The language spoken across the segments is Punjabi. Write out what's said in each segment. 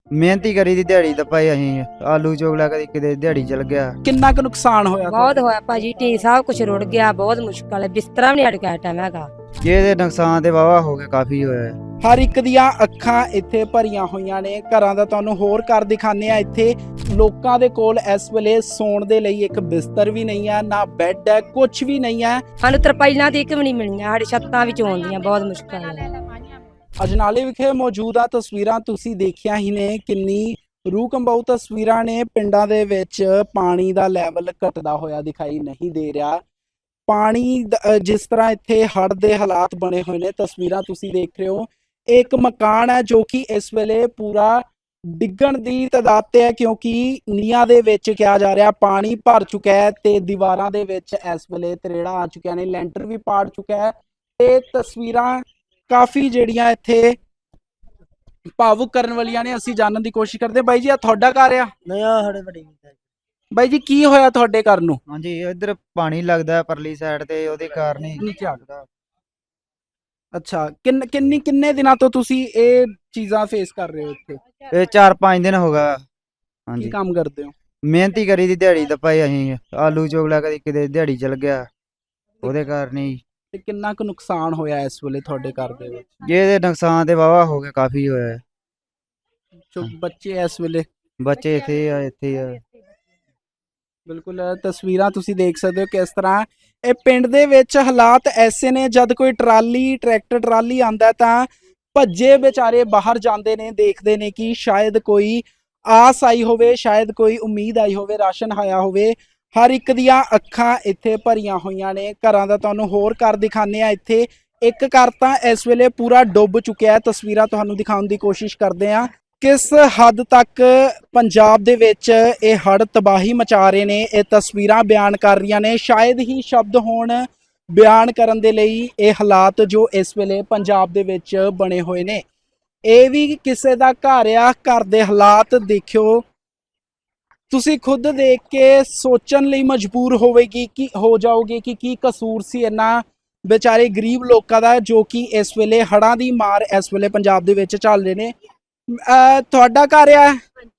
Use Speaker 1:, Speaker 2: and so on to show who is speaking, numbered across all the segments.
Speaker 1: ਮਿਹਨਤੀ ਕਰੀ ਦੀ ਦਿਹਾੜੀ ਦਾ ਭਾਈ ਅਸੀਂ ਆਲੂ ਚੋਗਲਾ ਕਦੀ ਕਿਤੇ ਦਿਹਾੜੀ ਚਲ ਗਿਆ।
Speaker 2: ਕਿੰਨਾ ਕੁ ਨੁਕਸਾਨ ਹੋਇਆ
Speaker 3: ਬਹੁਤ ਹੋਇਆ ਭਾਜੀ, ਟੀ ਸਭ ਕੁਝ ਰੁੜ ਗਿਆ, ਬਹੁਤ ਮੁਸ਼ਕਲ ਹੈ, ਬਿਸਤਰਾ ਵੀ ਨਹੀਂ ਅਟਕਿਆ ਟਾਈਮ ਹੈਗਾ।
Speaker 1: ਇਹਦੇ ਨੁਕਸਾਨ ਤੇ ਵਾਵਾ ਹੋ ਗਿਆ, ਕਾਫੀ ਹੋਇਆ।
Speaker 2: ਹਰ ਇੱਕ ਦੀਆਂ ਅੱਖਾਂ ਇੱਥੇ ਭਰੀਆਂ ਹੋਈਆਂ ਨੇ। ਘਰਾਂ ਦਾ ਤੁਹਾਨੂੰ ਹੋਰ ਘਰ ਦਿਖਾਣੇ ਆ। ਇੱਥੇ ਲੋਕਾਂ ਦੇ ਕੋਲ ਇਸ ਵੇਲੇ ਸੌਣ ਦੇ ਲਈ ਇੱਕ ਬਿਸਤਰ ਵੀ ਨਹੀਂ ਹੈ, ਨਾ ਬੈੱਡ ਹੈ, ਕੁਝ ਵੀ ਨਹੀਂ ਹੈ।
Speaker 3: ਸਾਨੂੰ ਤਰਪਾਈਲਾਂ ਤੇ ਇੱਕ ਵੀ ਨਹੀਂ ਮਿਲੀਆਂ, ਸਾਡੀ ਛੱਤਾਂ ਵਿੱਚ ਆਉਂਦੀਆਂ, ਬਹੁਤ ਮੁਸ਼ਕਲ ਹੈ।
Speaker 2: ਅਜਨਾਲੇ ਵਿਖੇ ਮੌਜੂਦ ਆ ਤਸਵੀਰਾਂ ਤੁਸੀਂ ਦੇਖਿਆ ਹੀ ਨੇ, ਕਿੰਨੀ ਰੂਹ ਕੰਬਾਊ ਤਸਵੀਰਾਂ ਨੇ। ਪਿੰਡਾਂ ਦੇ ਵਿੱਚ ਪਾਣੀ ਦਾ ਲੈਵਲ ਘਟਦਾ ਹੋਇਆ ਦਿਖਾਈ ਨਹੀਂ ਦੇ ਰਿਹਾ। ਪਾਣੀ ਜਿਸ ਤਰ੍ਹਾਂ ਇੱਥੇ ਹੜ੍ਹ ਦੇ ਹਾਲਾਤ ਬਣੇ ਹੋਏ ਨੇ, ਤਸਵੀਰਾਂ ਤੁਸੀਂ ਦੇਖ ਰਹੇ ਹੋ। ਇੱਕ ਮਕਾਨ ਹੈ ਜੋ ਕਿ ਇਸ ਵੇਲੇ ਪੂਰਾ ਡਿੱਗਣ ਦੀ ਤਦਾਦ ਤੇ ਹੈ, ਕਿਉਂਕਿ ਨੀਹਾਂ ਦੇ ਵਿੱਚ ਕਿਹਾ ਜਾ ਰਿਹਾ ਪਾਣੀ ਭਰ ਚੁੱਕਾ ਹੈ ਤੇ ਦੀਵਾਰਾਂ ਦੇ ਵਿੱਚ ਇਸ ਵੇਲੇ ਤਰੇੜਾਂ ਆ ਚੁੱਕੀਆਂ ਨੇ, ਲੈਂਟਰ ਵੀ ਪਾੜ ਚੁੱਕਾ ਹੈ। ਤੇ ਤਸਵੀਰਾਂ ਕਾਫੀ ਜਿਹੜੀਆਂ ਇੱਥੇ ਭਾਵੁਕ ਕਰਨ ਵਾਲੀਆਂ ਨੇ। ਅਸੀਂ ਜਾਣਨ ਦੀ ਕੋਸ਼ਿਸ਼ ਕਰਦੇ। ਬਾਈ ਜੀ, ਆ ਤੁਹਾਡਾ ਘਰ ਆ?
Speaker 1: ਨਹੀਂ ਆ ਸਾਡੇ ਵੱਡੀ
Speaker 2: ਬਾਈ ਜੀ, ਕੀ ਹੋਇਆ ਤੁਹਾਡੇ ਘਰ ਨੂੰ?
Speaker 1: ਹਾਂਜੀ, ਇੱਧਰ ਪਾਣੀ ਲੱਗਦਾ ਪਰਲੀ ਸਾਈਡ ਤੇ, ਉਹਦੇ ਕਾਰਨ ਹੀ
Speaker 2: ਨੀਚੇ ਆਗਦਾ। ਅੱਛਾ, ਕਿੰਨੇ ਦਿਨਾਂ ਤੋਂ ਤੁਸੀਂ ਇਹ ਚੀਜ਼ਾਂ ਫੇਸ ਕਰ ਰਹੇ ਹੋ ਇੱਥੇ?
Speaker 1: ਇਹ 4-5 ਦਿਨ ਹੋ ਗਿਆ।
Speaker 2: ਕੀ
Speaker 1: ਹਾਂਜੀ,
Speaker 2: ਕੰਮ ਕਰਦੇ ਹੋ?
Speaker 1: ਮਿਹਨਤੀ ਕਰੀ ਦੀ ਦਿਹਾੜੀ ਦਾ ਭਾਈ ਅਸੀਂ ਆਲੂ ਚੋਗਲਾ ਕਦੀ ਕਿਤੇ ਦਿਹਾੜੀ ਚਲ ਗਿਆ, ਉਹਦੇ ਕਾਰਨ ਹੀ।
Speaker 2: ਤੇ ਕਿੰਨਾ ਕੁ ਨੁਕਸਾਨ ਹੋਇਆ ਇਸ ਵੇਲੇ ਤੁਹਾਡੇ ਘਰ ਦੇ ਵਿੱਚ?
Speaker 1: ਇਹਦੇ ਨੁਕਸਾਨ ਤੇ ਵਾਵਾ ਹੋ ਗਿਆ, ਕਾਫੀ ਹੋਇਆ।
Speaker 2: ਜੋ ਬੱਚੇ ਇਸ ਵੇਲੇ?
Speaker 1: ਬੱਚੇ ਇੱਥੇ ਆ।
Speaker 2: ਬਿਲਕੁਲ, ਤਸਵੀਰਾਂ ਤੁਸੀਂ ਦੇਖ ਸਕਦੇ ਹੋ ਕਿਸ ਤਰ੍ਹਾਂ ਇਹ ਪਿੰਡ ਦੇ ਵਿੱਚ ਹਾਲਾਤ ਐਸੇ ਨੇ। ਜਦ ਕੋਈ ਟਰੈਕਟਰ ਟਰਾਲੀ ਆਂਦਾ ਤਾਂ ਭੱਜੇ ਵਿਚਾਰੇ ਬਾਹਰ ਜਾਂਦੇ ਨੇ, ਦੇਖਦੇ ਨੇ ਕਿ ਸ਼ਾਇਦ ਕੋਈ ਆਸ ਆਈ ਹੋਵੇ, ਸ਼ਾਇਦ ਕੋਈ ਉਮੀਦ ਆਈ ਹੋਵੇ, ਰਾਸ਼ਨ ਆਇਆ ਹੋਵੇ। ਹਰ ਇੱਕ ਦੀਆਂ ਅੱਖਾਂ ਇੱਥੇ ਭਰੀਆਂ ਹੋਈਆਂ ਨੇ। ਘਰਾਂ ਦਾ ਤੁਹਾਨੂੰ ਹੋਰ ਘਰ ਦਿਖਾਣੇ ਆ। ਇੱਥੇ ਇੱਕ ਘਰ ਤਾਂ ਇਸ ਵੇਲੇ ਪੂਰਾ ਡੁੱਬ ਚੁੱਕਿਆ ਹੈ। ਤਸਵੀਰਾਂ ਤੁਹਾਨੂੰ ਦਿਖਾਉਣ ਦੀ ਕੋਸ਼ਿਸ਼ ਕਰਦੇ ਆ ਕਿਸ ਹੱਦ ਤੱਕ ਪੰਜਾਬ ਦੇ ਵਿੱਚ ਇਹ ਹੜ੍ਹ ਤਬਾਹੀ ਮਚਾ ਰਹੇ ਨੇ। ਇਹ ਤਸਵੀਰਾਂ ਬਿਆਨ ਕਰ ਰਹੀਆਂ ਨੇ, ਸ਼ਾਇਦ ਹੀ ਸ਼ਬਦ ਹੋਣ ਬਿਆਨ ਕਰਨ ਦੇ ਲਈ ਇਹ ਹਾਲਾਤ ਜੋ ਇਸ ਵੇਲੇ ਪੰਜਾਬ ਦੇ ਵਿੱਚ ਬਣੇ ਹੋਏ ਨੇ। ਇਹ ਵੀ ਕਿਸੇ ਦਾ ਘਰ ਆ, ਘਰ ਦੇ ਹਾਲਾਤ ਦੇਖਿਓ ਤੁਸੀਂ ਖੁਦ ਦੇਖ ਕੇ ਸੋਚਣ ਲਈ ਮਜਬੂਰ ਹੋ ਜਾਓਗੇ ਕਿ ਕੀ ਕਸੂਰ ਸੀ ਇਹਨਾਂ ਵਿਚਾਰੇ ਗਰੀਬ ਲੋਕਾਂ ਦਾ, ਜੋ ਕਿ ਇਸ ਵੇਲੇ ਹੜ੍ਹਾਂ ਦੀ ਮਾਰ ਇਸ ਵੇਲੇ ਪੰਜਾਬ ਦੇ ਵਿੱਚ ਚੱਲ ਰਹੇ ਨੇ। ਤੁਹਾਡਾ ਘਰ ਆ?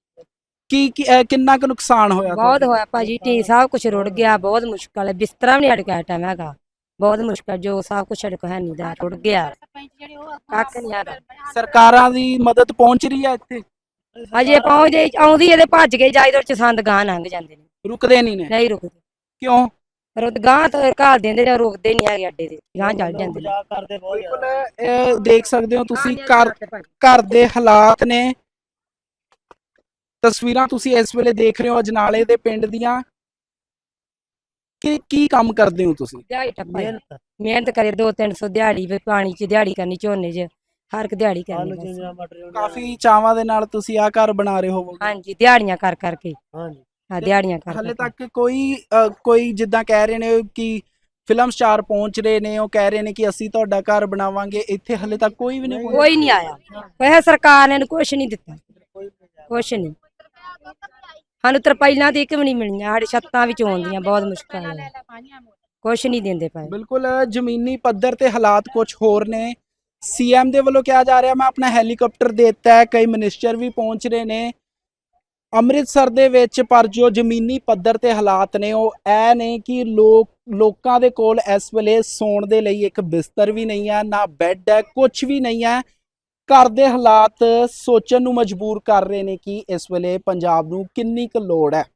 Speaker 2: ਕਿੰਨਾ ਕੁ ਨੁਕਸਾਨ ਹੋਇਆ?
Speaker 3: ਬਹੁਤ ਹੋਇਆ ਭਾਜੀ, ਟੀ ਸਭ ਕੁਝ ਰੁੜ ਗਿਆ, ਬਹੁਤ ਮੁਸ਼ਕਲ ਹੈ, ਬਿਸਤਰਾ ਵੀ ਨਹੀਂ ਅਟਕਿਆ ਟਾਈਮ ਹੈਗਾ, ਬਹੁਤ ਮੁਸ਼ਕਲ। ਜੋ ਸਭ ਕੁਝ ਅਟਕ ਹੈ ਨਹੀਂ ਦਾ, ਰੁੜ ਗਿਆ, ਕੱਖ ਨਹੀਂ ਹੈਗਾ।
Speaker 2: ਸਰਕਾਰਾਂ ਦੀ ਮਦਦ ਪਹੁੰਚ ਰਹੀ ਹੈ ਇੱਥੇ?
Speaker 3: ਅਜੇ ਪਹੁੰਚਦੇ ਆਉਂਦੀ ਇਹਦੇ ਭੱਜ ਕੇ ਜਾਈਦਰ ਚ ਸੰਦ ਗਾਂ ਲੰਘ ਜਾਂਦੇ ਨੇ,
Speaker 2: ਰੁਕਦੇ ਨਹੀਂ ਨੇ?
Speaker 3: ਨਹੀਂ ਰੁਕਦੇ।
Speaker 2: ਕਿਉਂ?
Speaker 3: ਗਾਂ ਤਾਂ ਘਾਲ ਦਿੰਦੇ ਨੇ, ਰੁਕਦੇ ਨਹੀਂ ਹੈਗੇ, ਅੱਡੇ ਦੇ ਗਾਂ ਚੱਲ ਜਾਂਦੇ ਨੇ।
Speaker 2: ਬਿਲਕੁਲ, ਇਹ ਦੇਖ ਸਕਦੇ ਹੋ ਤੁਸੀਂ ਘਰ ਦੇ ਹਾਲਾਤ ਨੇ। ਤਸਵੀਰਾਂ ਤੁਸੀਂ ਇਸ ਵੇਲੇ ਦੇਖ ਰਹੇ ਹੋ ਅਜਨਾਲੇ ਦੇ ਪਿੰਡ ਦੀਆਂ। ਕੀ ਕੰਮ ਕਰਦੇ ਹੋ ਤੁਸੀਂ?
Speaker 3: ਦਿਹਾੜੀ ਟੱਪਾ ਮਿਹਨਤ ਕਰੇ, 200-300 ਦਿਹਾੜੀ, ਪਾਣੀ ਚ ਦਿਹਾੜੀ ਕਰਨੀ, ਝੋਨੇ ਚ ਹਰ ਇੱਕ ਦਿਹਾੜੀ ਕਰਨੀ।
Speaker 2: ਕਾਫੀ ਚਾਵਾਂ ਦੇ ਨਾਲ ਤੁਸੀਂ ਆਹ ਘਰ ਬਣਾ ਰਹੇ ਹੋ?
Speaker 3: ਹਾਂਜੀ, ਦਿਹਾੜੀਆਂ ਕਰ ਕਰਕੇ।
Speaker 1: ਹਾਂਜੀ,
Speaker 3: ਹਾਂ, ਦਿਹਾੜੀਆਂ ਕਰ
Speaker 2: ਹਲੇ ਤੱਕ ਕੋਈ ਜਿੱਦਾਂ ਕਹਿ ਰਹੇ ਨੇ ਕਿ ਫਿਲਮ ਸਟਾਰ ਪਹੁੰਚ ਰਹੇ ਨੇ, ਉਹ ਕਹਿ ਰਹੇ ਨੇ ਕਿ ਅਸੀਂ ਤੁਹਾਡਾ ਘਰ ਬਣਾਵਾਂਗੇ, ਇੱਥੇ ਹਲੇ ਤੱਕ ਕੋਈ ਵੀ ਨਹੀਂ?
Speaker 3: ਕੋਈ ਨਹੀਂ ਆਇਆ, ਕੋਈ ਸਰਕਾਰ ਨੇ ਕੁਛ ਨਹੀਂ ਦਿੱਤਾ, ਕੁਛ ਨਹੀਂ। ਸਾਨੂੰ ਤਰਪਾਈਲਾਂ ਤੇ ਇੱਕ ਵੀ ਨਹੀਂ ਮਿਲੀਆਂ, ਸਾਡੀ ਛੱਤਾਂ ਵਿੱਚ ਆਉਂਦੀਆਂ, ਬਹੁਤ ਮੁਸ਼ਕਲ ਹੈ, ਕੁਛ ਨਹੀਂ ਦਿੰਦੇ ਪਏ।
Speaker 2: ਬਿਲਕੁਲ, ਜ਼ਮੀਨੀ ਪੱਧਰ ਤੇ ਹਾਲਾਤ ਕੁਝ ਹੋਰ ਨੇ। ਸੀਐਮ ਦੇ ਵੱਲੋਂ ਕਿਹਾ ਜਾ ਰਿਹਾ ਮੈਂ ਆਪਣਾ ਹੈਲੀਕਾਪਟਰ ਦੇ ਦਿੱਤਾ ਹੈ, ਕਈ ਮਿਨਿਸਟਰ ਵੀ ਪਹੁੰਚ ਰਹੇ ਨੇ ਅੰਮ੍ਰਿਤਸਰ ਦੇ ਵਿੱਚ, ਪਰ ਜੋ ਜ਼ਮੀਨੀ ਪੱਧਰ ਤੇ ਹਾਲਾਤ ਨੇ ਉਹ ਇਹ ਨੇ ਕਿ ਲੋਕਾਂ ਦੇ ਕੋਲ ਇਸ ਵੇਲੇ ਸੌਣ ਦੇ ਲਈ ਇੱਕ ਬਿਸਤਰ ਵੀ ਨਹੀਂ ਹੈ, ਨਾ ਬੈੱਡ ਹੈ, ਕੁਝ ਵੀ ਨਹੀਂ ਹੈ। ਘਰ ਦੇ ਹਾਲਾਤ ਸੋਚਣ ਨੂੰ ਮਜਬੂਰ ਕਰ ਰਹੇ ਨੇ ਕਿ ਇਸ ਵੇਲੇ ਪੰਜਾਬ ਨੂੰ ਕਿੰਨੀ ਕੁ ਲੋੜ ਹੈ।